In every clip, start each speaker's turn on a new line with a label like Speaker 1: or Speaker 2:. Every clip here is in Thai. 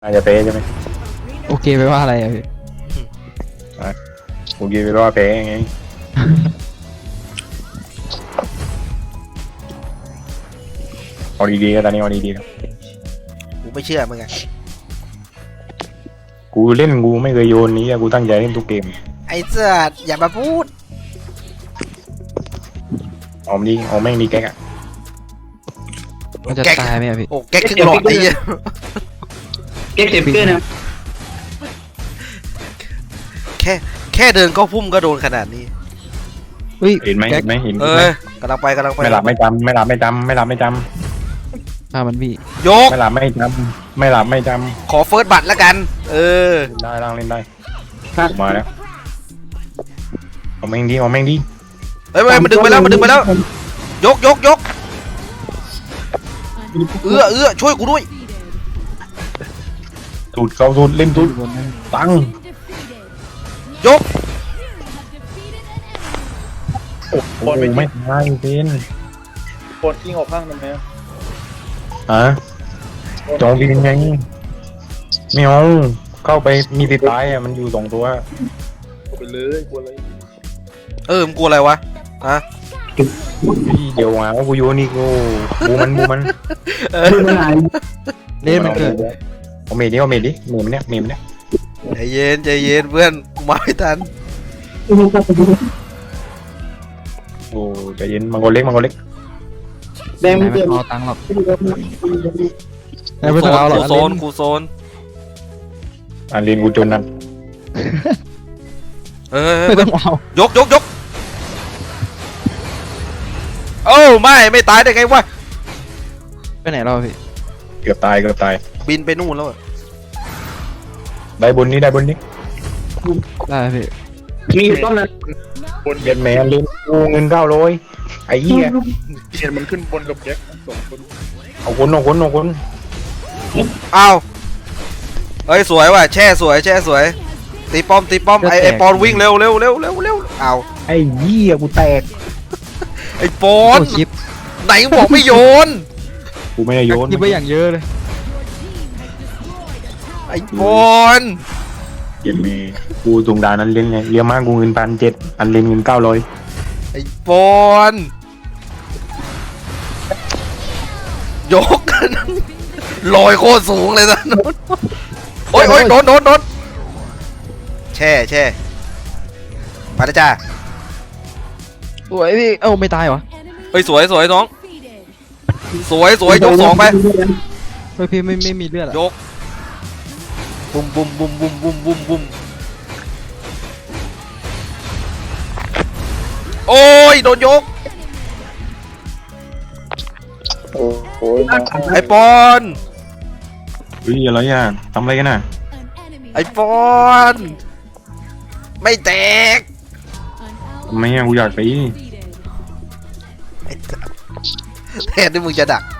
Speaker 1: อาจจะเป๊ะใช่ไหม
Speaker 2: โอเคไปว่าอะไรอะพี่
Speaker 1: ผมยืนไปรอเป๊ะไงเอาดีๆก็ตอนนี้เอาดีๆครับ
Speaker 3: กูไม่เชื่อมึงไง
Speaker 1: กูเล่นกูไม่เคยโยนนี้อะกูตั้งใจเล่นทุกเกม
Speaker 3: ไอ้เสืออย่ามาพูด
Speaker 1: เอาดีเอาแม่งดีแก๊กอะ
Speaker 2: มันจะตายไหมอะพี่
Speaker 3: โอ้แก๊กครึ่งหลอดไอ้เหี้ย
Speaker 4: เก็บเจ็บเกินนะ
Speaker 3: แค่เดินก็พุ่มก็โดนขนาดนี้
Speaker 2: เฮ้ย
Speaker 1: เห็นไหม
Speaker 2: แก๊
Speaker 1: เห็
Speaker 2: ก
Speaker 1: นไหมเห็น
Speaker 3: เอ
Speaker 1: ไหม
Speaker 3: อกำลังไป
Speaker 1: ไม่หลับไม่จำไม่หลับไม่จำไม่หลับไม่จ
Speaker 2: ฆ่ามันพี่
Speaker 3: ยก
Speaker 1: ำไม่หลับไม่จำไม่หลับไม่จ
Speaker 3: ขอเฟิร์สบัตรแล้วกัน เออ
Speaker 1: ำได้ร่างเล่นได้ผมมาแล้วเอาแม่งดีเอาแม่งดี
Speaker 3: เฮ้ยมันดึงไปแล้วมันดึงไปแล้ว ยกช่วยกูด้วย
Speaker 1: สูตรเขาสูตรเล่นสูตร
Speaker 2: บนนั้น
Speaker 1: ตั้ง
Speaker 3: ยก
Speaker 1: โอ้โหไม่ได้เป็น
Speaker 4: ปนกิ้งออกข้างมันไหม
Speaker 1: ฮะจองบินไงไม่เอาเข้าไปมีติดตายอะมันอยู่สองตัว
Speaker 4: ไปเลยกลัวอะไร
Speaker 3: มึงกลัวอะไรวะฮะ
Speaker 1: เดี๋ยวมาว่ากูโยนนี่กูบูมัน
Speaker 2: เล่นมันเกิด
Speaker 1: เอาเมดดิเอาเมดดิเมดมันเนี่ยเมดมันเนี่ย
Speaker 3: ใจเย็นเพื่อนกูมาไม่ทัน
Speaker 1: โอ้ใจเย็นมังกรเล็กมังกรเล็ก
Speaker 4: แดง
Speaker 2: ไหน
Speaker 4: ไม่
Speaker 2: ไม่
Speaker 4: เกิน
Speaker 2: เอาตังค์หรอกไหนไม่ต้องเอาหรอก
Speaker 3: กูโซน
Speaker 1: อันเรียนกูจนนั่น
Speaker 2: ไม่ต้องเอา
Speaker 3: ยกโอ้ไม่ตายได้ไงวะ
Speaker 2: ไปไหนเราพี่
Speaker 1: เกือบตายเกือบตาย
Speaker 3: บินไปนู่นแล้วอะ
Speaker 1: ได้บนนี้ได้บนนี้
Speaker 2: ได้พี่
Speaker 4: มีอยู่ต้นนั้น
Speaker 1: เรียนแมนเรียนกูเงิน900ไอ้เหี้ย
Speaker 4: เห็นมันขึ้นบนกับแจ็คสองคน
Speaker 1: เอาคน
Speaker 3: อ้าวเฮ้ยสวยว่ะแช่สวยตีป้อมไอปอนวิ่งเร็วอ้าว
Speaker 1: ไอ้เหี้ยกูแตก
Speaker 3: ไอปอ
Speaker 2: โอ้
Speaker 3: น
Speaker 2: ชิป
Speaker 3: ไหนบอกไม่โยน
Speaker 1: กูไม่ได้โยน
Speaker 2: ชิปไปอย่างเยอะเลย
Speaker 3: ไอปอน
Speaker 1: เรียนแมนกูตรงดานนั้นเล่นไงเรียกมากกูเงิน1,700อันเล่นเงิน900
Speaker 3: ไอปอนยก ลอยโคตรสูงเลยนะโอ้ยโดนแช่ไปแล้วจ้า
Speaker 2: สวยพี่เอ้าไม่ตายวะ
Speaker 3: เฮ้ยสวยน้องสวยยก2ไป
Speaker 2: เฮ้ยพี่ไม่มีเลือดอะ
Speaker 3: ยกบุมโอ้ยโดนยก
Speaker 4: โอ้โห
Speaker 3: ไอปอน
Speaker 1: เฮ้ยอะไรอ่ะทำอะไรกันน่ะ
Speaker 3: ไอปอนไม่แตก
Speaker 1: ทำไมอ่ะกูอยากไป
Speaker 3: ไอ้แทนที่มึงจะดัก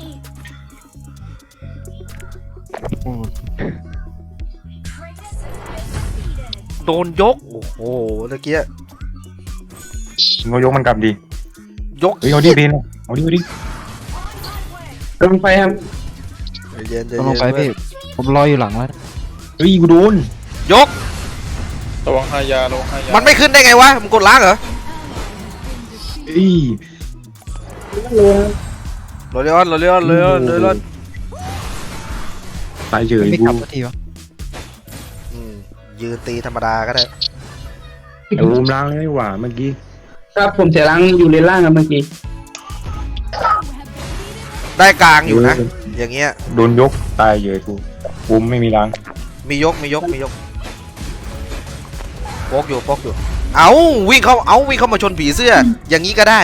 Speaker 2: โอ้
Speaker 3: โดนยกโอ้โหเมื่อกี้
Speaker 1: มึงก็ยกมันกลับดิ
Speaker 3: ยก
Speaker 1: เฮ้ยเอาดิเพนเอาดิ
Speaker 4: กำลังไปครับ
Speaker 3: เย็น
Speaker 2: ต้องลงไปพี่ผมรออยู่หลังแล้ว
Speaker 1: เฮ้ยกูโดน
Speaker 3: ยก
Speaker 4: ระวังหายาระวังหายา
Speaker 3: มันไม่ขึ้นได้ไงวะมึงกดล้างเหรอ
Speaker 1: เฮ้ย
Speaker 3: โรเลออน
Speaker 1: ตายเฉย
Speaker 2: ไม่
Speaker 1: กู
Speaker 2: กลับสักทีวะ
Speaker 3: ยืนตีธรรมดาก็ได้
Speaker 1: เอารูมล้างเลยดีกว่าเมื่อกี้
Speaker 4: ครับผมเสียรังอยู่เลนล่างครับเมื่อกี้
Speaker 3: ได้กลางอยู่นะ อย่างเงี้ย
Speaker 1: โดนยกตายเฉยกูไม่มีล้าง
Speaker 3: มียกโป๊กอยู่เอาวิ่งเข้ามาชนผีเสื้อ อย่างนี้ก็ได้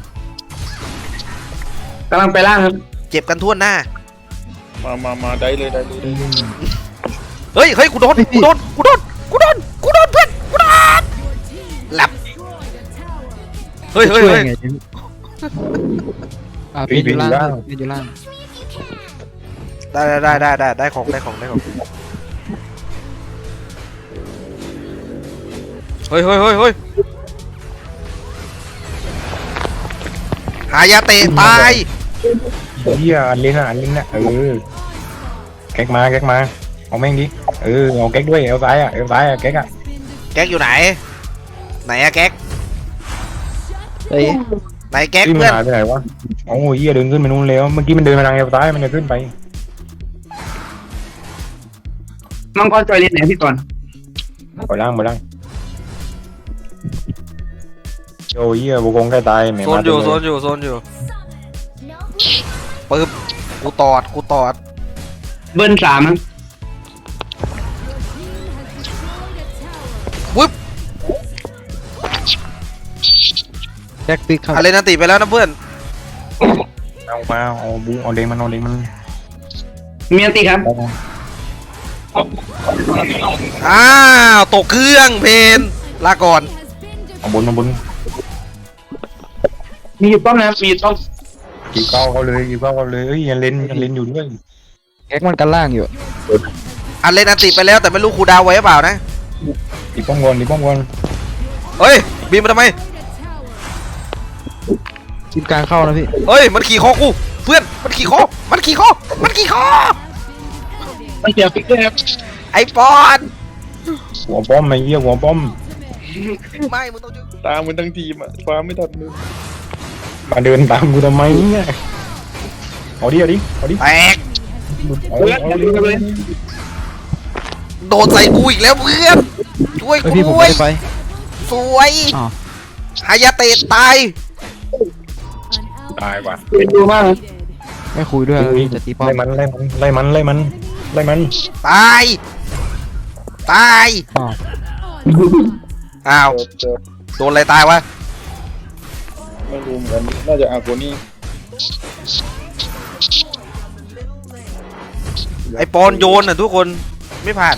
Speaker 4: กำลังไปล่างครับ
Speaker 3: เจ็บกันทั่วหน้า
Speaker 4: มาได้เลย
Speaker 3: เฮ้ยกูโดนเพื่อนกูโดนหลับเฮ้ย
Speaker 2: ช่วยไงพี่พี่อยู่ล่างพี่อยู่ล่าง
Speaker 3: ได้ของเฮ้ยหายาเตะตาย
Speaker 1: เฮียอันเล่นน่ะเออแก๊กมาเอาแม่งดิเอาแก๊กด้วยเอาซ้ายอะแก๊กอะ
Speaker 3: แก๊กอยู่ไหนไหนอะแก๊ก
Speaker 2: เอ้ย
Speaker 3: ไหนแก๊ก
Speaker 1: ที่มัน
Speaker 3: เพื่อน
Speaker 1: หายไปไหนวะโอ้ยเหี้ยเดินขึ้นไปนู่นแล้วเมื่อกี้มันเดินมาทางเอวซ้ายมันจะขึ้นไป
Speaker 4: มังกรจอยเลนไหนพี่ก่อน
Speaker 1: ไปล่างโอ้ยเหี้ยบุกงใกล้ตายแหม่
Speaker 3: โซนอยู่โซนอยู่ปึ๊บกูตอด
Speaker 4: เบิ้ลสาม
Speaker 3: ปึ๊บ
Speaker 2: แจ็คปิกครับ
Speaker 3: อะไรนะติไปแล้วนะเพื่อน
Speaker 1: เอาบุ้งเอาเด้งมัน
Speaker 4: เมียนตีครับ
Speaker 3: อ้าวตกเครื่องเพนลาก่อน
Speaker 1: เอาบน
Speaker 4: มีอยู่ป้อมนะครับมีอยู่ป้อม
Speaker 1: กี่เก้าเขาเลยเอ้ยยังเล่นอยู่ด้วย
Speaker 2: แจ็คมันกันล่างอยู่
Speaker 3: อันเล่นอันติไปแล้วแต่ไม่รู้ครูดาวไว้หรือเปล่านะ
Speaker 1: ตีป้อมก่อน
Speaker 3: เฮ้ยบีมมาทำไม
Speaker 2: ทีมกลางเข้านะพี่
Speaker 3: เฮ้ยมันขี่คอกูเพื่อนมันขี่คอมันขี่คอ
Speaker 4: มันเสียฟิกด้วยครับ
Speaker 3: ไอ้ปอน
Speaker 1: หัวป้อมไอ้เหี้ยหัวป้อม
Speaker 3: ไม่มึงต้องจุด
Speaker 4: ตามมันทั้งทีมอ่ะฟ้าไม่ทันมือ
Speaker 1: มาเดินตามกูทำไมเนี่ยเอาดิ
Speaker 3: แตก
Speaker 1: เอา
Speaker 3: โดนใส่กูอีกแล้วเพื่อนช่วย
Speaker 2: เอ้ย
Speaker 3: กู
Speaker 2: พี่ผม
Speaker 3: ด้ว
Speaker 2: ไม่
Speaker 3: ย
Speaker 2: ได้ไป
Speaker 3: สวย
Speaker 2: อ้าว
Speaker 3: ฮายาเตะตาย
Speaker 1: ตายกว่า
Speaker 4: เป็นดูมาก
Speaker 2: ไม่คุยด้วยจะตีป้อม
Speaker 1: ไล่มัน
Speaker 3: ตายตาย
Speaker 2: อ้าว
Speaker 3: อ้าว
Speaker 4: เจอ
Speaker 3: โดนอะไรตายวะ
Speaker 4: ไม่รู้เหมือนกันน่าจะอาโกนี่
Speaker 3: ไอ้ปอนโยนอ่ะทุกคนไม่ผ่าน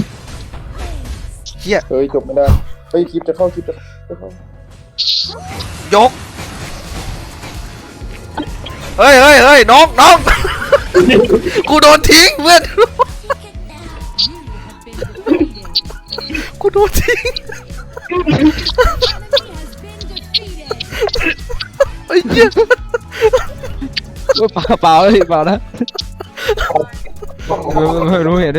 Speaker 3: เฮีย
Speaker 4: เฮ้ยจบไม่ได้เฮ้ยคลิปจะเข้า
Speaker 3: ยกเฮ้ยน้อง กูโดนทิ้งเพื่อนกูโดนทิ้งไอ้เหี้ย
Speaker 2: เอ้ยเปล่าเลยเปล่านะไม่รู้เห็น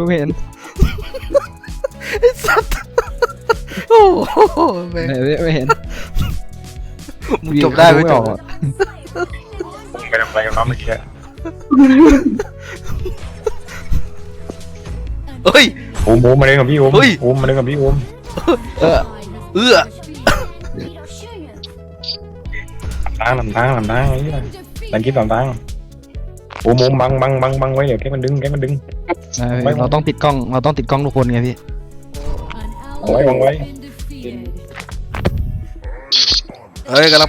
Speaker 3: ไอ้สัตว์โอ้โหแม่ง
Speaker 2: ไม่เห็น
Speaker 3: มึงจบได้ไม่จบ
Speaker 1: ไปทำอะไรกันน้องเมื่อกี้
Speaker 3: เฮ้ย
Speaker 1: โอมมาเล่นกับพี่โอม
Speaker 3: เฮ้ย
Speaker 1: โอมมาเล่นกับพี่โอม
Speaker 2: เออ
Speaker 3: เอื้อ
Speaker 1: ทางไอ้เหี้ยดันคิดทางโอมบังไว้เดี๋ยวแกมันดึง
Speaker 2: เราต้องติดกล้องทุกคนไงพี่
Speaker 1: วางไว้
Speaker 3: เฮ้ยกำลังไป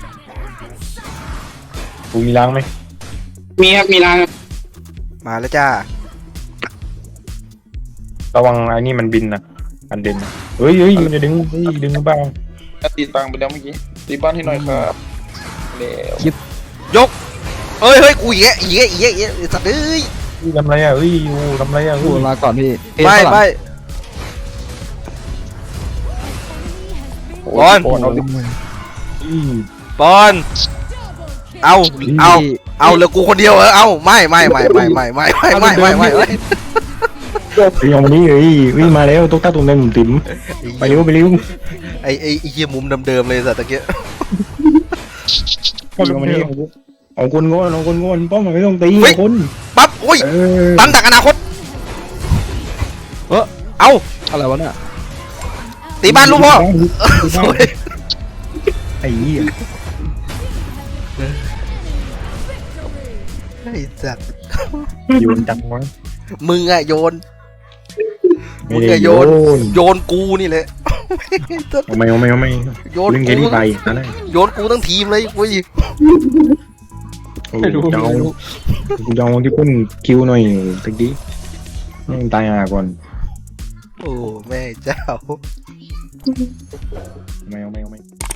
Speaker 1: กูมีล้างไหม
Speaker 4: มีครับมีรางครับ
Speaker 3: มาแล้วจ้า
Speaker 1: ระวังไอ้นี่มันบินนะอันเด่นเฮ้ยอยู่จะดึงบ้าง
Speaker 4: ตีตังไปแล้วเมื่อกี้ตีบ้านให้หน่อยครับแล้ว
Speaker 3: ยกเฮ้ยกูเหี้ยสัตว์เอ้ย
Speaker 1: ทำไรอ่ะทำไรอ่ะ
Speaker 2: พูดลาก่อนพี่
Speaker 3: ไม่ บอล ปอนเอาเหลือกูคนเดียวเอาไม่
Speaker 1: อย่างนี้วิ่งมาแล้วตุ๊กตาตัวนึงติ๋มไปเร็ว
Speaker 3: ไอ้เหี้ยมุมเดิมๆเลยสัตว์ตะเกีย
Speaker 1: วันนี้เอาคนโง่ป้อมไม่ต้องตีคน
Speaker 3: ปั๊บโอ้ยตันดักอนาคตเอา
Speaker 2: อะไรวะเนี่ย
Speaker 3: ตีบ้านลูกพ่อสวย
Speaker 1: ไอ้เหี้ย
Speaker 3: ไอ้สัตว์
Speaker 1: โยนจังวะ
Speaker 3: มึงอะโยนโยนกูนี่แหละ
Speaker 1: ไม่
Speaker 3: โยน
Speaker 1: เล่นเกมนี้ไปนั่นแหละ
Speaker 3: โยนกูทั้งทีมเลยกู
Speaker 2: ไม่รู้
Speaker 1: กูจะเอาที่พุ่นคิวหน่อยตะกี้ตายก่อน
Speaker 3: โอ้แม่เจ้า
Speaker 1: ไม่